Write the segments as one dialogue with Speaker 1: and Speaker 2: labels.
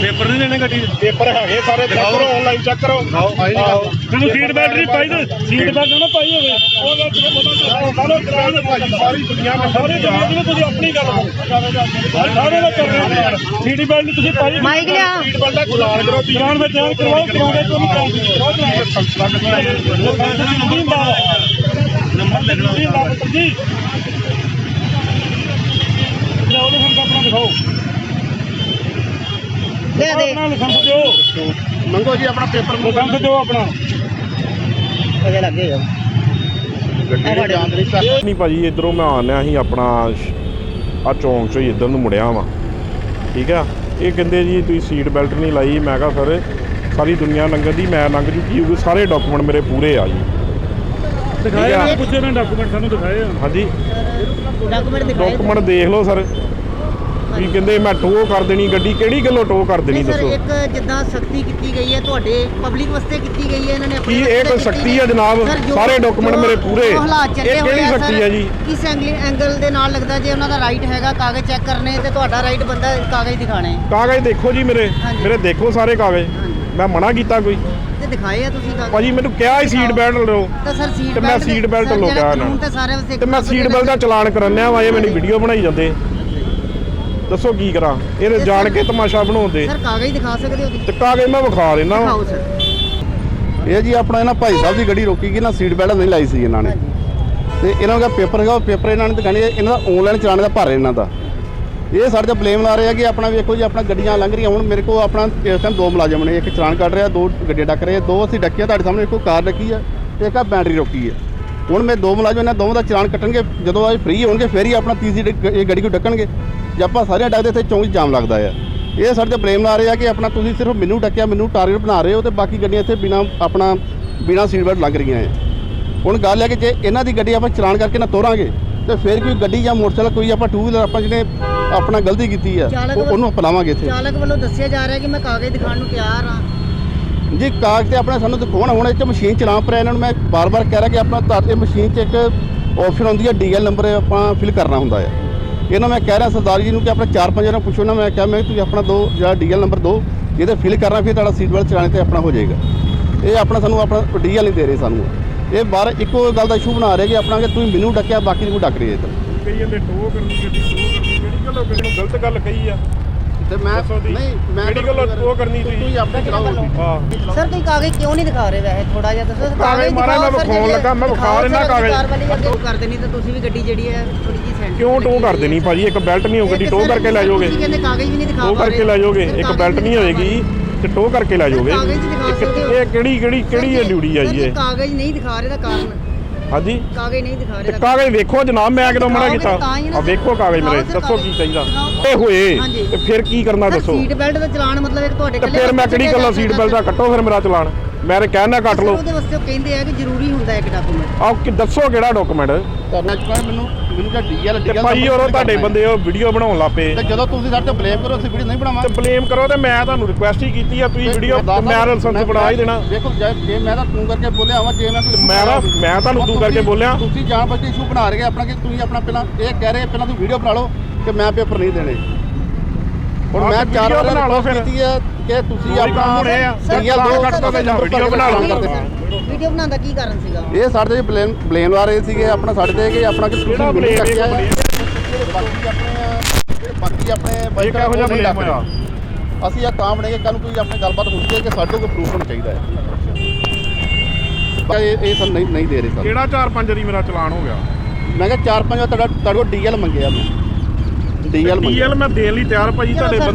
Speaker 1: paper नहीं देने गड्डी
Speaker 2: पेपर है सारे चेक करो ऑनलाइन चेक करो
Speaker 1: तेन सीट बेल्ट नहीं पाई तो सीट बेल्ट ना पाई होवे
Speaker 2: सारी दुनिया में
Speaker 1: सारी दुनिया में तुझे अपनी गल सारे का कर रहे हो सीट बेल्ट नहीं तुझे पाई
Speaker 3: माइक लिया
Speaker 2: सीट बेल्ट का चलान करो
Speaker 1: चलान में जान करवाओ करवाओ तो नहीं नंबर देखना जी जाओ हम अपना दिखाओ
Speaker 3: दे दे
Speaker 1: लाइसेंस दो
Speaker 2: मंगो जी अपना पेपर
Speaker 1: लाइसेंस दो अपना
Speaker 3: अजे लगे जाओ
Speaker 4: नहीं भाजी इधरों मैं आना ही अपना आ चौंक चो इधर ਨੂੰ ਮੁੜਿਆ ਵਾਂ ਠੀਕ ਆ ਇਹ ਕਹਿੰਦੇ ਜੀ ਤੁਸੀਂ ਸੀਟ ਬੈਲਟ ਨਹੀਂ ਲਾਈ ਮੈਂ ਕਿਹਾ ਸਰ ਸਾਰੀ ਦੁਨੀਆ ਲੰਘਣ ਦੀ ਮੈਂ ਲੰਘ ਚੁੱਕੀ ਹੋਊਗੀ ਸਾਰੇ ਡਾਕੂਮੈਂਟ ਮੇਰੇ ਪੂਰੇ ਆ ਜੀ
Speaker 1: ਦਿਖਾਏ ਨਾ ਪੁੱਛੇ ਨਾ ਡਾਕੂਮੈਂਟ ਸਾਨੂੰ ਦਿਖਾਏ
Speaker 4: ਹਾਂਜੀ
Speaker 3: ਡਾਕੂਮੈਂਟ ਦਿਖਾਏ
Speaker 4: ਡਾਕੂਮੈਂਟ ਦੇਖ ਲਓ ਸਰ ਵੀ ਕਹਿੰਦੇ ਮੈਂ ਟੋ ਕਰ ਦੇਣੀ ਗੱਡੀ ਕਿਹੜੀ ਗੱਲੋਂ ਟੋ ਕਰ ਦੇਣੀ
Speaker 3: ਸਰ
Speaker 4: ਦੱਸੋ
Speaker 3: ਇੱਕ ਜਿੱਦਾਂ ਸਖਤੀ ਕੀਤੀ ਗਈ ਹੈ ਤੁਹਾਡੇ ਪਬਲਿਕ ਵਾਸਤੇ ਕੀਤੀ ਗਈ ਹੈ ਇਹਨਾਂ ਨੇ
Speaker 4: ਕੀ ਇਹ ਕੋਈ ਸਖਤੀ ਹੈ ਜਨਾਬ ਸਾਰੇ ਡਾਕੂਮੈਂਟ ਮੇਰੇ ਪੂਰੇ ਇਹ ਕਿਹੜੀ ਸਖਤੀ ਹੈ ਜੀ
Speaker 3: ਕਿਸ ਐਂਗਲ ਦੇ ਨਾਲ ਲੱਗਦਾ ਜੇ ਉਹਨਾਂ ਦਾ ਰਾਈਟ ਹੈਗਾ ਕਾਗਜ਼ ਚੈੱਕ ਕਰਨੇ ਤੇ ਤੁਹਾਡਾ ਰਾਈਟ ਬੰਦਾ ਕਾਗਜ਼ ਦਿਖਾਣੇ
Speaker 4: ਕਾਗਜ਼ ਦੇਖੋ ਜੀ ਮੇਰੇ ਦੇਖੋ ਸਾਰੇ ਕਾਗਜ਼ ਮੈਂ ਮਨਾ ਕੀਤਾ ਕੋਈ
Speaker 3: ਤੇ ਦਿਖਾਏ ਆ ਤੁਸੀਂ ਕਾਗਜ਼
Speaker 4: ਭਾਜੀ ਮੈਨੂੰ ਕਿਹਾ ਹੀ ਸੀਟ ਬੈਲਟ ਲਓ
Speaker 3: ਤਾਂ ਸਰ ਸੀਟ
Speaker 4: ਤੇ ਮੈਂ ਸੀਟ ਬੈਲਟ ਲੋ ਗਿਆ ਇਹਨਾਂ
Speaker 3: ਤੇ ਸਾਰੇ ਵਾਸਤੇ
Speaker 4: ਤੇ ਮੈਂ ਸੀਟ ਬੈਲਟ ਦਾ ਚਲਾਨ ਕਰਨਿਆ ਵਾ ਇਹ ਮੈਨੂੰ ਵੀਡੀਓ ਬਣਾਈ ਜਾਂਦੇ ਦੱਸੋ ਕੀ ਕਰਾਂ ਇਹ ਜਾਣ ਕੇ ਤਮਾਸ਼ਾ ਬਣਾਉਂਦੇ
Speaker 3: ਸਰ ਕਾਗਜ਼ ਦਿਖਾ ਸਕਦੇ ਹੋ
Speaker 4: ਤੇ ਕਾਗਜ਼ ਮੈਂ ਵਿਖਾ ਲੈਣਾ
Speaker 3: ਦਿਖਾਓ ਸਰ
Speaker 5: ਇਹ ਜੀ ਆਪਣਾ ਇਹਨਾਂ ਭਾਈ ਸਾਹਿਬ ਦੀ ਗੱਡੀ ਰੋਕੀ ਗਈ ਨਾ ਸੀਟ ਬੈਲਟ ਨਹੀਂ ਲਾਈ ਸੀ ਇਹਨਾਂ ਨੇ ਤੇ ਇਹਨਾਂ ਦਾ ਪੇਪਰ ਹੈਗਾ ਉਹ ਪੇਪਰ ਇਹਨਾਂ ਨੇ ਦਿਖਾਣੇ ਇਹਨਾਂ ਦਾ ਆਨਲਾਈਨ ਚਲਾਣੇ ਦਾ ਭਰ ਇਹਨਾਂ ਦਾ ਇਹ ਸਾਡੇ ਤੇ ਬਲੇਮ ਲਾ ਰਹੇ ਆ ਕਿ ਆਪਣਾ ਵੇਖੋ ਜੀ ਆਪਣਾ ਗੱਡੀਆਂ ਲੰਘ ਰਹੀਆਂ ਹੁਣ ਮੇਰੇ ਕੋਲ ਆਪਣਾ ਇਸ ਟਾਈਮ ਦੋ ਮੁਲਾਜ਼ਮ ਨੇ ਇੱਕ ਚਲਾਨ ਕੱਢ ਰਿਹਾ ਦੋ ਗੱਡੀਆਂ ਡੱਕ ਰਹੇ ਦੋ ਅਸੀਂ ਡੱਕਿਆ ਤੁਹਾਡੇ ਸਾਹਮਣੇ ਇੱਕੋ ਕਾਰ ਡੱਕੀ ਆ ਤੇ ਇੱਕ ਆ ਬੈਟਰੀ ਰੋਕੀ ਹੈ ਹੁਣ ਮੈਂ ਦੋ ਮੁਲਾਜ਼ਮ ਇਹਨਾਂ ਦੋਵਾਂ ਦਾ ਚਲਾਨ ਕੱਟਣਗੇ ਜਦੋਂ ਇਹ ਫ੍ਰੀ ਹੋਣਗੇ ਫਿਰ ਹੀ ਆਪਣਾ ਤੀਸਰੀ ਇਹ ਗੱਡੀ ਨੂੰ ਡੱਕਣਗੇ ਜੇ ਆਪਾਂ ਸਾਰਿਆਂ ਡੱਕਦੇ ਇੱਥੇ ਚੌਂਕ 'ਚ ਜਾਮ ਲੱਗਦਾ ਆ ਇਹ ਸਾਡੇ ਤੇ ਬਲੇਮ ਲਾ ਰਹੇ ਆ ਕਿ ਆਪਣਾ ਤੁਸੀਂ ਸਿਰਫ ਮੈਨੂੰ ਡੱਕਿਆ ਮੈਨੂੰ ਟਾਰਗੇਟ ਬਣਾ ਰਹੇ ਹੋ ਤੇ ਬਾਕੀ ਗੱਡੀਆਂ ਇੱਥੇ ਬਿਨਾ ਸੀਟ ਬੈਲਟ ਲੱਗ ਰਹੀਆਂ ਆ ਹੁਣ ਗੱਲ ਹੈ ਕਿ ਜੇ ਇਹਨਾਂ ਦੀ ਗੱਡੀ ਆਪਾਂ ਚਲਾਨ ਕਰਕੇ ਨਾ ਤੋਰਾਂਗੇ ਤੇ ਫਿਰ ਕੋਈ ਗੱਡੀ ਜਾਂ ਮੋਟਰਸਾਈਕਲ ਕੋਈ ਆਪਾਂ ਟੂ ਵੀਲਰ ਆਪਾਂ ਜਿਹਨੇ ਆਪਣਾ ਗਲਤੀ ਕੀਤੀ ਆ ਉਹਨੂੰ ਅਪਣਾਵਾਂਗੇ ਇੱਥੇ
Speaker 3: ਚਾਲਕ ਵੱਲੋਂ ਦੱਸਿਆ ਜਾ ਰਿਹਾ ਕਿ ਮੈਂ ਕਾਗਜ਼ ਦਿਖਾਉਣ ਨੂੰ ਤਿਆਰ ਹਾਂ
Speaker 5: ਜੀ ਕਾਗਜ਼ ਤੇ ਆਪਣਾ ਸਾਨੂੰ ਦਿਖਾਉਣਾ ਹੁਣ ਇਹ 'ਚ ਮਸ਼ੀਨ ਚਲਾ ਪਰ ਇਹਨਾਂ ਨੂੰ ਮੈਂ ਬਾਰ-ਬਾਰ ਕਹਿ ਰਿਹਾ ਕਿ ਆਪਣਾ ਤੁਹਾਡੇ ਮਸ਼ੀਨ 'ਚ ਇੱਕ ਆਪਸ਼ਨ ਹੁੰਦੀ ਹੈ ਡੀਐਲ ਨੰਬਰ ਆਪਾਂ ਫਿਲ ਕਰਨਾ ਹੁੰਦਾ ਹੈ ਇਹਨਾਂ ਮੈਂ ਕਹਿ ਰਿਹਾ ਸਰਦਾਰ ਜੀ ਨੂੰ ਕਿ ਆਪਣਾ 4-5 ਜਣਾ ਪੁੱਛੋ ਨਾ ਮੈਂ ਕਿਹਾ ਮੈਂ ਤੁਸੀਂ ਆਪਣਾ ਦੋ ਜਿਹੜਾ ਡੀਐਲ ਨੰਬਰ ਦਿਓ ਇਹਦੇ ਫਿਲ ਕਰਨਾ ਫਿਰ ਤੁਹਾਡਾ ਸੀਟ ਬੈਲਟ ਚਲਾਣੇ ਤੇ ਆਪਣਾ ਹੋ ਜਾਏਗਾ ਇਹ ਆਪਣਾ ਸਾਨੂੰ ਆਪਣਾ ਡੀਐਲ ਨਹੀਂ ਦੇ ਰਹੇ ਸਾਨੂੰ ਇਹ ਬਾਹਰ ਇੱਕੋ ਗੱਲ ਦਾ ਇਸ਼ੂ ਬਣਾ ਰਹੇ ਕਿ ਆਪਣਾ ਕਿ ਤੁਸੀਂ ਮੈਨੂੰ ਡੱਕਿਆ ਬਾਕੀ ਨੂੰ ਡੱਕ ਰਹੇ ਇੱਧਰ
Speaker 4: ਕਈ ਜਾਂਦੇ ਟੋ ਕਰਨੀ ਗੱਡੀ ਕਿਹੜੀ ਗੱਲੋਂ ਕਿਸੇ ਨੂੰ ਗਲਤ ਗੱਲ ਕਹੀ ਆ
Speaker 5: ਤੇ ਮੈਂ
Speaker 4: ਕਿਹੜੀ ਗੱਲੋਂ ਟੋ ਕਰਨੀ
Speaker 5: ਤੁਸੀਂ ਆਪਣਾ ਚਲਾਓ
Speaker 4: ਹਾਂ
Speaker 3: ਸਰ ਤੁਸੀਂ ਕਾਗਜ਼ ਕਿਉਂ ਨਹੀਂ ਦਿਖਾ ਰਹੇ ਵੈਸੇ ਥੋੜਾ ਜਿਹਾ ਦੱਸੋ
Speaker 4: ਕਾਗਜ਼ ਮਾਰਾ ਮੈਂ ਵਿਖਾਉਣ ਲੱਗਾ ਮੈਂ ਵਿਖਾ ਲੈਣਾ ਕਾਗਜ਼
Speaker 3: ਟੋ ਕਰ ਦੇਣੀ ਤਾਂ ਤੁਸੀਂ ਵੀ ਗੱਡੀ ਜਿਹੜੀ ਹੈ ਥੋੜੀ ਜਿਹੀ ਸੈਂਟਰ
Speaker 4: ਕਿਉਂ ਟੋ ਕਰ ਦੇਣੀ ਭਾਜੀ ਇੱਕ ਬੈਲਟ ਨਹੀਂ ਹੋ ਗੱਡੀ ਟੋ ਕਰਕੇ ਲੈ ਜਾਓਗੇ
Speaker 3: ਤੁਸੀਂ ਕਹਿੰਦੇ ਕਾਗਜ਼ ਵੀ ਨਹੀਂ ਦਿਖਾ
Speaker 4: ਟੋ ਕਰਕੇ ਲੈ ਜਾਓਗੇ ਇੱਕ ਬੈਲਟ ਨਹੀਂ ਹੋਏਗੀ ਤੇ ਟੋ ਕਰਕੇ ਲੈ ਜਾਓਗੇ ਇਹ ਕਿਹੜੀ ਇਹ ਡਿਊਟੀ ਆ ਜੀ ਇਹ
Speaker 3: ਕਾਗਜ਼ ਨਹੀਂ ਦਿਖਾ ਰਹੇ ਦਾ ਕਾਰਨ
Speaker 4: ਹਾਂਜੀ
Speaker 3: ਕਾਗਜ਼ ਨਹੀਂ ਦਿਖਾ
Speaker 4: ਤੇ
Speaker 3: ਰਹੇ
Speaker 4: ਕਾਗਜ਼ ਵੇਖੋ ਜਨਾਬ ਮੈਂ ਕਿਦੋਂ ਮਨਾ ਕੀਤਾ ਆ ਵੇਖੋ ਕਾਗਜ਼ ਮੇਰੇ ਦੱਸੋ ਕੀ ਚਾਹੀਦਾ ਇਹ ਹੋਏ ਤੇ ਫਿਰ ਕੀ ਕਰਨਾ ਦੱਸੋ
Speaker 3: ਸੀਟ ਬੈਲਟ ਦਾ ਚਲਾਨ ਮਤਲਬ ਇੱਕ ਤੁਹਾਡੇ
Speaker 4: ਤੇ ਫਿਰ ਮੈਂ ਕਿਹੜੀ ਗੱਲੋਂ ਸੀਟ ਬੈਲਟ ਦਾ ਕੱਟੋ ਫਿਰ ਮੇਰਾ ਚਲਾਨ ਮੈਂ ਤੇ ਕਹਿਣਾ ਕੱਟ ਲਓ
Speaker 3: ਉਹਦੇ ਵਾਸਤੇ ਉਹ ਕਹਿੰਦੇ ਆ ਕਿ ਜ਼ਰੂਰੀ ਹੁੰਦਾ ਇੱਕ ਡਾਕੂਮੈਂਟ
Speaker 4: ਆਹ ਦੱਸੋ ਕਿਹੜਾ ਡਾਕੂਮੈਂਟ
Speaker 5: ਕਰਨਾ ਚਾਹੁੰਦਾ ਮੈਨੂੰ ਜਾਂ ਡੀਐਲ
Speaker 4: ਤੇ ਭਾਈ ਔਰ ਤੁਹਾਡੇ ਬੰਦੇ ਉਹ ਵੀਡੀਓ ਬਣਾਉਣ ਲੱਪੇ
Speaker 5: ਤੇ ਜਦੋਂ ਤੁਸੀਂ ਸਾਡੇ ਤੇ ਬਲੇਮ ਕਰੋ ਅਸੀਂ ਵੀਡੀਓ ਨਹੀਂ ਬਣਾਵਾਂਗੇ
Speaker 4: ਤੇ ਬਲੇਮ ਕਰੋ ਤੇ ਮੈਂ ਤੁਹਾਨੂੰ ਰਿਕੁਐਸਟ ਹੀ ਕੀਤੀ ਆ ਤੁਸੀਂ ਵੀਡੀਓ ਮੈਂ ਲਾਇਸੈਂਸ ਬਣਾ ਹੀ ਦੇਣਾ
Speaker 5: ਦੇਖੋ ਜੇ ਮੈਂ ਤਾਂ ਤੂੰ ਕਰਕੇ ਬੋਲਿਆ ਹਾਂ ਜੇ ਮੈਂ ਕੋਈ
Speaker 4: ਮੈਂ ਤੁਹਾਨੂੰ ਤੂੰ ਕਰਕੇ ਬੋਲਿਆ
Speaker 5: ਤੁਸੀਂ ਜਾਣ ਬੁੱਝ ਕੇ ਇਸ਼ੂ ਬਣਾ ਰਹੇ ਆਪਣਾ ਕਿ ਤੁਸੀਂ ਆਪਣਾ ਪਹਿਲਾਂ ਇਹ ਕਹਿ ਰਹੇ ਪਹਿਲਾਂ ਤੁਸੀਂ ਵੀਡੀਓ ਬਣਾ ਲਓ ਕਿ ਮੈਂ ਪੇਪਰ ਨਹੀਂ ਦੇਣੇ ਹੁਣ ਮੈਂ 4 ਵਾਰ ਬਣਾ ਲਓ ਫਿਰ ਕੀਤੀ ਹੈ ਕਿ ਤੁਸੀਂ ਆਪਣਾ
Speaker 4: ਵੀਡੀਓ ਬਣਾ ਲਓ
Speaker 3: ਵੀਡੀਓ ਬਣਾਉਣ ਦਾ ਕੀ ਕਾਰਨ ਸੀਗਾ
Speaker 5: ਇਹ ਸਾਡੇ ਤੇ ਬਲੇਮ ਲਾ ਰਹੇ ਸੀਗੇ ਆਪਣਾ ਸਾਡੇ ਤੇ ਕਿ ਆਪਣਾ ਕਿ ਤੁਸੀਂ ਮੈਨੂੰ ਚੱਕਿਆ ਬਾਕੀ ਆਪਣੇ ਬਾਈਕ ਇਹੋ ਜਿਹਾ ਬਲੇਮ ਹੋਇਆ ਅਸੀਂ ਇਹ ਤਾਂ ਬਣਾਈਏ ਕੱਲ ਨੂੰ ਕੋਈ ਆਪਣੀ ਗੱਲਬਾਤ ਹੁੰਦੀ ਹੈ ਕਿ ਸਾਡੇ ਕੋਲ ਪ੍ਰੂਫ ਹੋਣਾ ਚਾਹੀਦਾ ਹੈ ਇਹ ਸਰ ਨਹੀਂ ਦੇ ਰਹੇ ਸਰ
Speaker 4: ਕਿਹੜਾ 4-5 ਦੀ ਮੇਰਾ ਚਲਾਨ ਹੋ ਗਿਆ
Speaker 5: ਮੈਂ ਕਿਹਾ 4-5 ਤੁਹਾਡੇ ਕੋਲ ਡੀਐਲ ਮੰਗਿਆ ਮੈਂ ਡੀਐਲ
Speaker 4: ਮੈਂ ਦੇਣ ਲਈ ਤਿਆਰ ਭਾਜੀ ਤੁਹਾਡੇ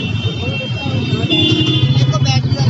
Speaker 3: ਦੇਖੋ ਬੈਟਰੀ ਦਾ